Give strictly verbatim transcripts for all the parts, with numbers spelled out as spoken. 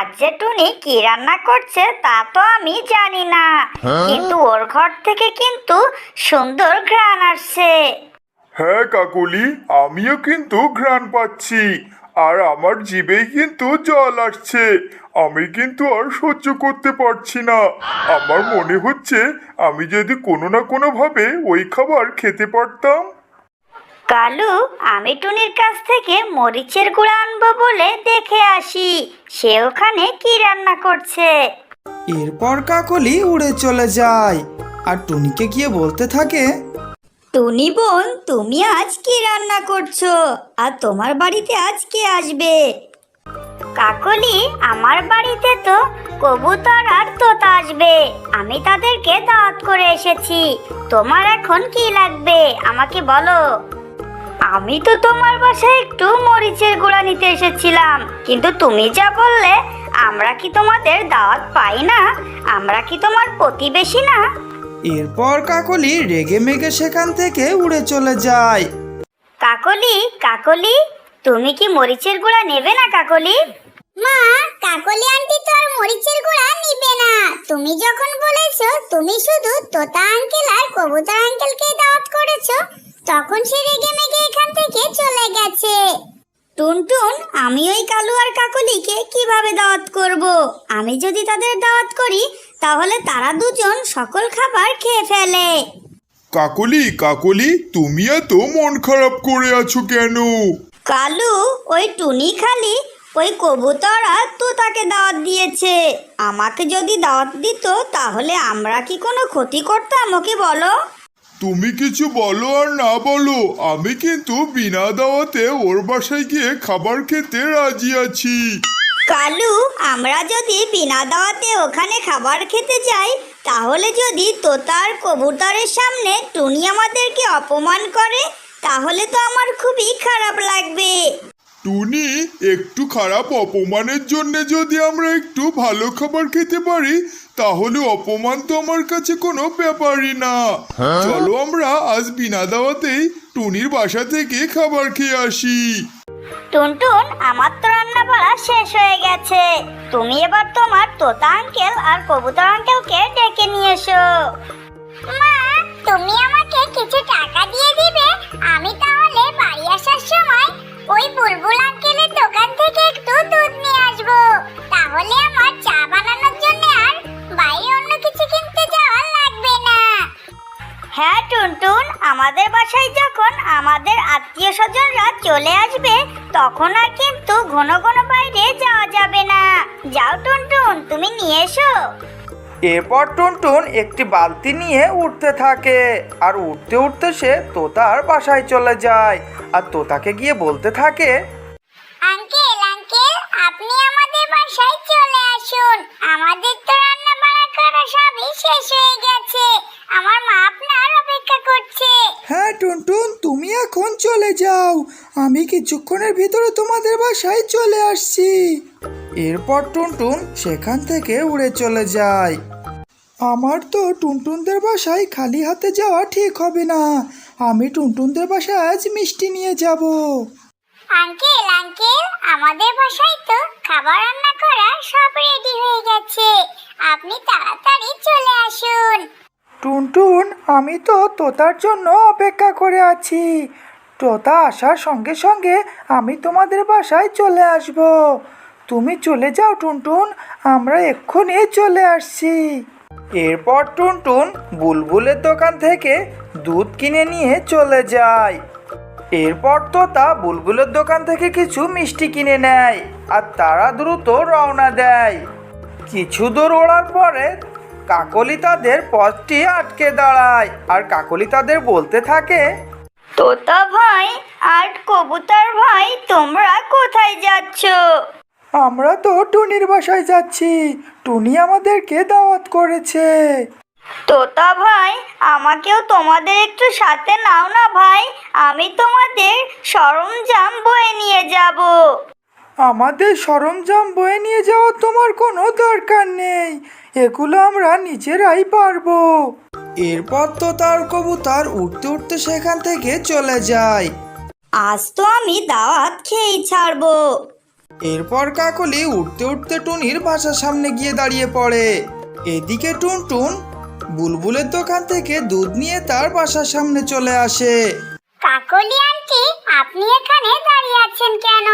আজ যে টুনি কি রান্না করছে তা তো আমি জানি না, কিন্তু ওর ঘর থেকে কিন্তু সুন্দর ঘ্রাণ আসছে। হ্যাঁ কাকলি, আমিও কিন্তু ঘ্রাণ পাচ্ছি, আর আমার জিভেই কিন্তু জল আসছে। আমি কিন্তু আর সহ্য করতে পারছি না। আমার মনে হচ্ছে আমি যদি কোনো না কোনো ভাবে ওই খাবার খেতে পারতাম। কালু, আমি টুনির কাছ থেকে মরিচের গুঁড়া আনবো বলে দেখে আসি সে ওখানে কি রান্না করছে। এরপর কাকলি উড়ে চলে যায় আর টুনিকে গিয়ে বলতে থাকে, টুনি বোন, তুমি আজ কি রান্না করছো আর তোমার বাড়িতে আজ কে আসবে? কাকলি, আমার বাড়িতে তো কবুতর আর তোতা আসবে, আমি তাদেরকে দাওয়াত করে এসেছি। তোমার এখন কি লাগবে আমাকে বলো। আমি তো তোমার বাসায় একটু মরিচের গুঁড়া নিতে এসেছিলাম, কিন্তু তুমি যা বললে আমরা কি তোমাদের দাওয়াত পাই না? আমরা কি তোমার প্রতিবেশী না? এরপর কাকলি রেগে মেগে সেখান থেকে উড়ে চলে যায়। কাকলি, কাকলি, তুমি কি মরিচের গুঁড়া নেবে না কাকলি? মা, কাকলি আন্টি তো আর মরিচের গুঁড়া নিবে না। তুমি যখন বলেছো তুমি শুধু তোতা আঙ্কেল আর কবুতর আঙ্কেলকে দাওয়াত করেছো, তখন সে রেগে মেগে এখান থেকে চলে গেছে। টুনটুন, আমি ওই কালু আর কাকলিকে কিভাবে দাওয়াত করব? আমি যদি তাদের দাওয়াত করি তাহলে তারা দুজন সকল খাবার খেয়ে ফেলে। কাকলি, কাকলি, তুমি এত মন খারাপ করে আছো কেন? কালু, ওই টুনি খালি ওই কবুতর আর তোতাকে দাওয়াত দিয়েছে। আমাকে যদি দাওয়াত দিত তাহলে আমরা কি কোনো ক্ষতি করতাম ওকে বলো? তুমি কিছু বলো আর না বলো, আমি কিন্তু বিনা দাওয়াতে ওর বাসায় গিয়ে খাবার খেতে রাজি আছি। কালু, আমরা যদি বিনা দাওয়াতে ওখানে খাবার খেতে যাই তাহলে যদি তোতার কবুতরের সামনে টুনি আমাদেরকে অপমান করে তাহলে তো আমার খুবই খারাপ লাগবে। টুনি, একটু খারাপ অপমানের জন্য যদি আমরা একটু ভালো খাবার খেতে পারি তাহলে অপমান তো আমার কাছে কোনো ব্যাপারই না। চলো আমরা আজ বিনা দাওয়াতেই টুনির বাসা থেকে খাবার খেয়ে আসি। টুনটুন, আমার তো রান্না বাড়া শেষ হয়ে গেছে, তুমি এবার তোমার তোতা আঙ্কেল আর কবুতর আঙ্কেলকে ডেকে নিয়ে এসো। মা, তুমি আমাকে কিছু টাকা দিয়ে দিবে? আমি তাহলে বাড়ি আসার সময় ওই বুলবুল আঙ্কেলের দোকান থেকে একটু দুধ নিয়ে আসবো। তাহলে আমার চা বানানোর জন্য আর বাইরে অন্য কিছু কিনতে যাওয়া লাগবে না। হ্যাঁ টুনটুন, আমাদের বাসায় যখন আমাদের আত্মীয় স্বজনরা চলে আসবে তখন আর কিন্তু ঘন ঘন বাইরে যাওয়া যাবে না। যাও টুনটুন, তুমি নিয়ে এসো। এরপর টুনটুন একটি বালতি নিয়ে উঠতে থাকে আর উঠতে উঠতে সে তোতার বাসায় চলে যায় আর তোতাকে গিয়ে বলতে থাকে, আঙ্কেল, আঙ্কেল, আপনি আমাদের বাসায় চলে আসুন। আমাদের তো রান্না বান্না করা সবই শেষ হয়ে গেছে। আমার মা আপনার অপেক্ষা করছে। হ্যাঁ টুনটুন, তুমি এখন চলে যাও, আমি কিছুক্ষণের ভিতরে তোমাদের বাসায় চলে আসছি। এরপর টুনটুন সেখান থেকে উড়ে চলে যায়। আমার তো টুনটুনদের বাসায় খালি হাতে যাওয়া ঠিক হবে না, আমি টুনটুনদের বাসায় আজ মিষ্টি নিয়ে যাব। আঙ্কেল, আঙ্কেল, আমাদের বাসায় তো খাবার রান্না করা সব রেডি হয়ে গেছে। আপনি তাড়াতাড়ি চলে আসুন। টুনটুন, আমি তো তোতার জন্য অপেক্ষা করে আছি। তোতা আসার সঙ্গে সঙ্গে আমি তোমাদের বাসায় চলে আসব। তুমি চলে যাও টুনটুন, আমরা এক্ষুনি চলে আসছি। এরপর টুনটুন বুলবুলের দোকান থেকে দুধ কিনে নিয়ে চলে যায়। এরপর তোতা বুলবুলের দোকান থেকে কিছু মিষ্টি কিনে নেয় আর তারা দ্রুত রওনা দেয়। কিছু দূর ওড়ার পরে কাকলি তাদের পথটি আটকে দাঁড়ায় আর কাকলি তাদের বলতে থাকে, তোতা ভাই আর কবুতর ভাই, তোমরা কোথায় যাচ্ছ? আমরা তো টুনির বাসায় যাচ্ছি, টুনি আমাদেরকে দাওয়াত করেছে। তোতা ভাই, আমাকেও তোমাদের একটু সাথে নাও না ভাই, আমি তোমাদের সরঞ্জাম বয়ে নিয়ে যাব। আমাদের সরঞ্জাম বয়ে নিয়ে যাওয়ার তোমার কোনো দরকার নেই, এগুলো আমরা নিজেরাই পারবো। এরপর তো তার কবুতর উঠতে উঠতে সেখান থেকে চলে যায়। আজ তো আমি দাওয়াত খেয়েই ছাড়বো। এরপর কাকলি উঠতে উঠতে টুনির বাসার সামনে গিয়ে দাঁড়িয়ে পড়ে। এদিকে টুনটুন বুলবুলের দোকান থেকে দুধ নিয়ে তার বাসার সামনে চলে আসে। কাকলি আন্টি, আপনি এখানে দাঁড়িয়ে আছেন কেন?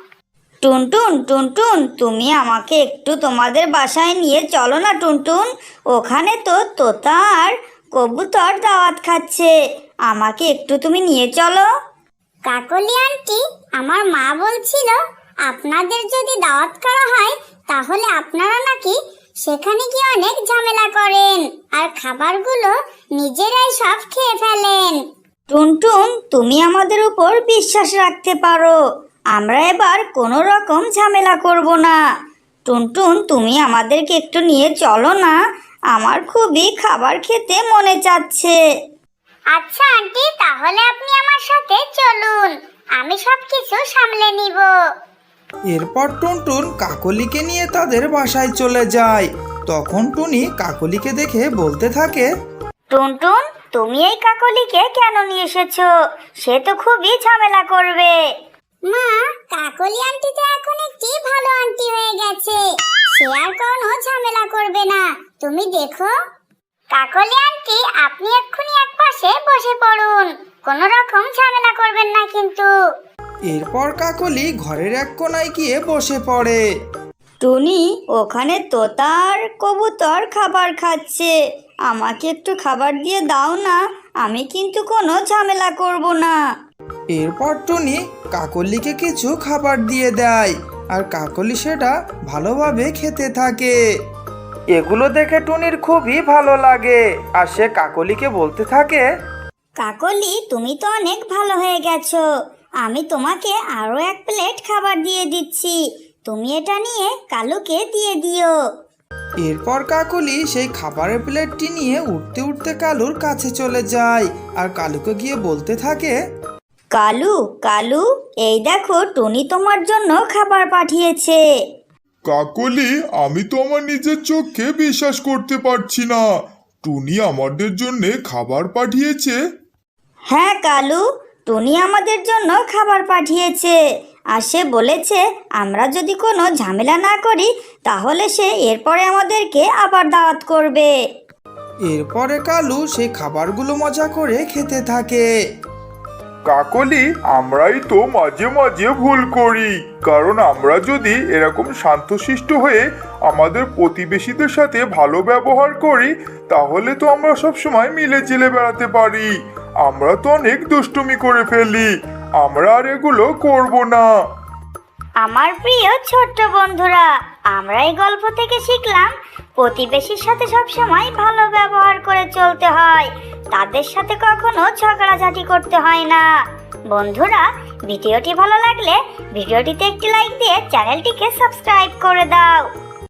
টুনটুন টুনটুন তুমি আমাকে একটু তোমাদের বাসায় নিয়ে চলো না টুনটুন। ওখানে তো তোতা আর কবুতর দাওয়াত খাচ্ছে, আমাকে একটু তুমি নিয়ে চলো। কাকলি আন্টি, আমার মা বলছিল আপনাদের যদি দাওয়াত করা হয় তাহলে আপনারা নাকি সেখানে গিয়ে অনেক ঝামেলা করেন আর খাবারগুলো নিজেরাই সব খেয়ে ফেলেন। টুনটুন তুমি আমাদের উপর বিশ্বাস রাখতে পারো, আমরা এবার কোনো রকম ঝামেলা করব না। টুনটুন তুমি আমাদেরকে একটু নিয়ে চলো না, আমার খুবই খাবার খেতে মনে চাচ্ছে। আচ্ছা আন্টি, তাহলে আপনি আমার সাথে চলুন, আমি সব কিছু সামলে নিব। এরপর টুনটুন কাকলিকে নিয়ে তাদের বাসায় চলে যায়। তখন টুনি কাকলিকে দেখে বলতে থাকে, টুনটুন তুমি এই কাকলিকে কেন নিয়ে এসেছো? সে তো খুবই ঝামেলা করবে। মা, কাকলি আন্টি তো এখন একটি ভালো আন্টি হয়ে গেছে, সে আর কোনো ঝামেলা করবে না, তুমি দেখো। কাকলি আন্টি, আপনি এক্ষুনি এক পাশে বসে পড়ুন, কোনো রকম ঝামেলা করবেন না কিন্তু। এরপর কাকলি ঘরের এক কোনায় গিয়ে বসে পড়ে। টুনি ওখানে তোতার কবুতর খাবার খাচ্ছে, আমাকে একটু খাবার দিয়ে দাও না, আমি কিন্তু কোনো ঝামেলা করব না। এরপর টুনি কাকলিকে কিছু খাবার দিয়ে দেয় আর কাকলি সেটা ভালোভাবে খেতে থাকে। এগুলো দেখে টুনির খুবই ভালো লাগে আর সে কাকলিকে বলতে থাকে, কাকলি তুমি তো অনেক ভালো হয়ে গেছো, আমি তোমাকে আরও এক প্লেট খাবার দিয়ে দিচ্ছি, তুমি এটা নিয়ে কালুকে দিয়ে দিও। এরপর কাকলি সেই খাবারের প্লেটটি নিয়ে উঠতে উঠতে কালুর কাছে চলে যায় আর কালুকে গিয়ে বলতে থাকে, কালু কালু এই দেখো টুনি তোমার জন্য খাবার পাঠিয়েছে। কাকলি, আমি তো আমার নিজের চোখে বিশ্বাস করতে পারছি না, টুনি আমাদের জন্য খাবার পাঠিয়েছে। হ্যাঁ কালু, টুনি আমাদের জন্য খাবার পাঠিয়েছে আর সে বলেছে আমরা যদি কোনো ঝামেলা না করি তাহলে সে এরপরে আমাদেরকে আবার দাওয়াত করবে। এরপরে কালু সেই খাবারগুলো মজা করে খেতে থাকে। কাকলি, আমরাই তো মাঝে মাঝে ভুল করি, কারণ আমরা যদি এরকম শান্তশিষ্ট হয়ে আমাদের প্রতিবেশীদের সাথে ভালো ব্যবহার করি তাহলে তো আমরা সব সময় মিলে জিলে বেড়াতে পারি। আমরা তো অনেক দুষ্টুমি করে ফেলি, আমরা আর এগুলো করব না। আমার প্রিয় ছোট্ট বন্ধুরা, আমরা এই গল্প থেকে শিখলাম প্রতিবেশীর সাথে সবসময় ভালো ব্যবহার করে চলতে হয়, তাদের সাথে কখনো ঝগড়াঝাটি করতে হয় না। বন্ধুরা, ভিডিওটি ভালো লাগলে ভিডিওটিতে একটি লাইক দিয়ে চ্যানেলটিকে সাবস্ক্রাইব করে দাও।